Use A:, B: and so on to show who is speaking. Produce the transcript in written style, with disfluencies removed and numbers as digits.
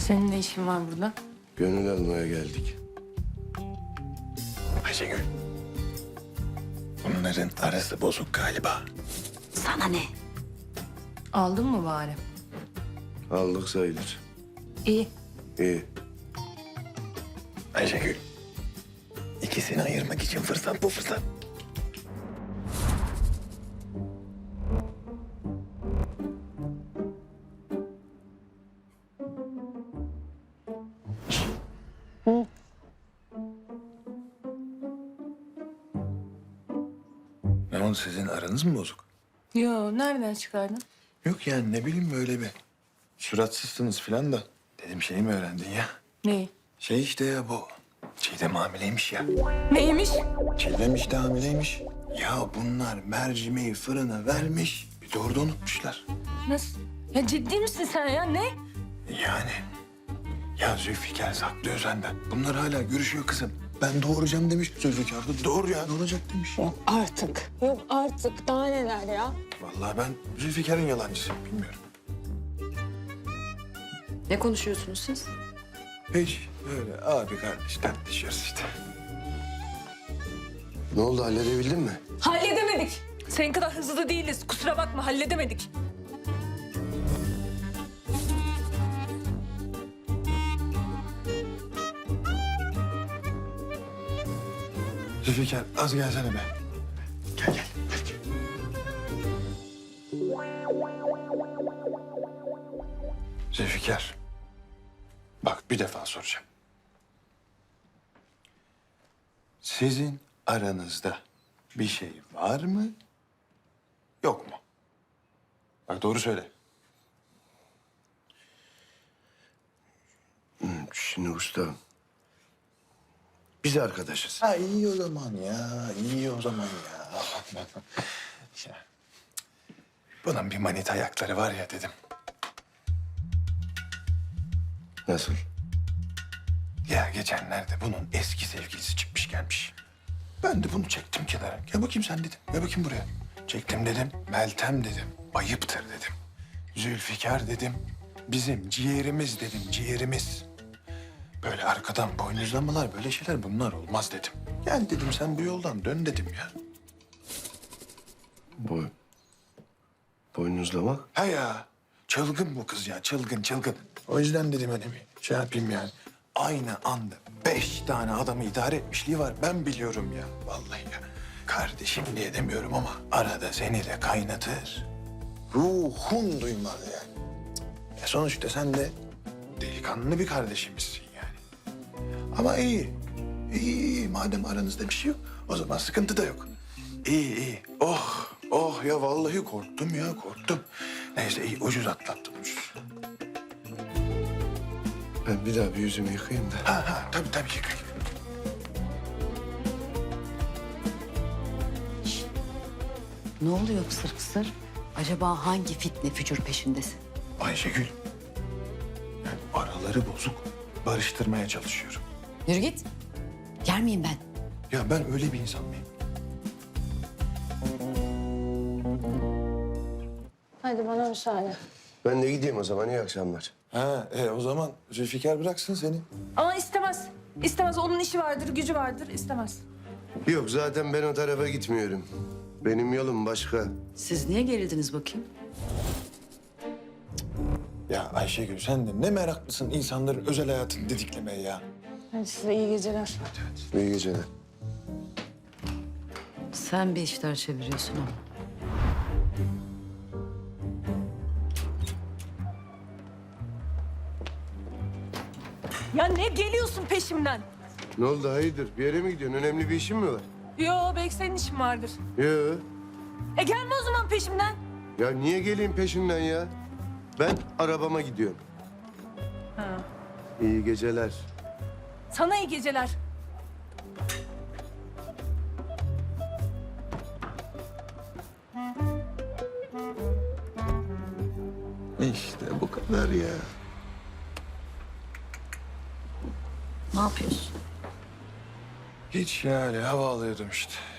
A: Senin ne işin var burada?
B: Gönül almaya geldik.
C: Ayşegül. Bunların arası bozuk galiba.
D: Sana ne?
A: Aldın mı bari?
B: Aldık sayılır.
A: İyi.
B: İyi.
C: Ayşegül. İkisini ayırmak için fırsat bu fırsat. Ne oldu, sizin aranız mı bozuk?
A: Yo, nereden çıkardın?
C: Yok yani, ne bileyim, böyle bir suratsızsınız falan da. Dedim, şey mi öğrendin ya?
A: Neyi?
C: Şey işte ya, bu Çiğdem hamileymiş ya.
A: Neymiş?
C: Çiğdem işte hamileymiş. Ya bunlar mercimeği fırına vermiş. Bir de orada unutmuşlar.
A: Nasıl? Ya ciddi misin sen ya? Ne?
C: Yani. Ya Zülfikar saklıyor senden. Bunlar hala görüşüyor kızım. Ben doğuracağım demiş. Zülfikar da doğru ya, ne olacak demiş.
D: Yok artık. Yok artık. Daha neler ya?
C: Vallahi ben Zülfikar'ın yalancısıyım, bilmiyorum.
D: Ne konuşuyorsunuz siz?
C: Hiç öyle abi kardeş tartışıyoruz işte.
B: Ne oldu, halledebildin mi?
A: Halledemedik. Senin kadar hızlı değiliz. Kusura bakma, halledemedik.
C: Zülfikar az gelsene be. Gel gel. Zülfikar. Bak, bir defa soracağım. Sizin aranızda bir şey var mı? Yok mu? Bak, doğru söyle.
B: Şimdi usta, biz arkadaşız.
C: Ha, iyi o zaman ya. İyi o zaman ya. Ya, bunun bir manita ayakları var ya dedim.
B: Nasıl?
C: Ya geçenlerde bunun eski sevgilisi çıkmış gelmiş. Ben de bunu çektim kenara. Gel bakayım sen dedim. Gel bakayım buraya. Çektim dedim. Meltem dedim. Ayıptır dedim. Zülfikar dedim. Bizim ciğerimiz dedim. Ciğerimiz. Böyle arkadan boynuzlamalar, böyle şeyler, bunlar olmaz dedim. Gel dedim, sen bu yoldan dön dedim ya.
B: Boynuzlamak?
C: Ha ya. Çılgın bu kız ya. Çılgın çılgın. O yüzden dedim hani bir şey yapayım yani. Aynı anda 5 tane adamı idare etmişliği var. Ben biliyorum ya. Vallahi ya. Kardeşim diye demiyorum ama arada seni de kaynatır. Ruhun duymaz yani. Sonuçta sen de delikanlı bir kardeşimizsin yani. Ama iyi. İyi. Madem aranızda bir şey yok, o zaman sıkıntı da yok. İyi iyi. Oh. Oh ya, vallahi korktum ya, korktum. Neyse, iyi, ucuz atlattım, ucuz.
B: Ben bir daha bir yüzümü yıkayayım da.
C: Ha, tabii yıkayın.
D: Ne oluyor kısır kısır? Acaba hangi fitne fücur peşindesin?
C: Ayşegül. Yani araları bozuk. Barıştırmaya çalışıyorum.
D: Yürü git. Yer miyim ben?
C: Ya ben öyle bir insan mıyım?
E: Hadi bana müsaade.
B: Ben de gideyim o zaman, iyi akşamlar.
C: Ha, o zaman Zülfikar bıraksın seni.
A: Ama istemez. İstemez. Onun işi vardır, gücü vardır. İstemez.
B: Yok, zaten ben o tarafa gitmiyorum. Benim yolum başka.
D: Siz niye gerildiniz bakayım?
C: Ya Ayşegül, sen de ne meraklısın insanların özel hayatını didiklemeye ya.
E: Hadi size iyi geceler.
B: İyi geceler.
D: Sen bir işler çeviriyorsun ama.
A: Ya ne geliyorsun peşimden?
B: Ne oldu, hayırdır? Bir yere mi gidiyorsun? Önemli bir işin mi var?
A: Yo, belki senin işin vardır.
B: Yok.
A: Gelme o zaman peşimden.
B: Ya niye geleyim peşinden ya? Ben arabama gidiyorum.
A: Ha.
B: İyi geceler.
A: Sana iyi geceler.
C: İşte bu kadar ya.
D: Ne yapıyorsun?
C: Hiç yani, hava alıyordum işte.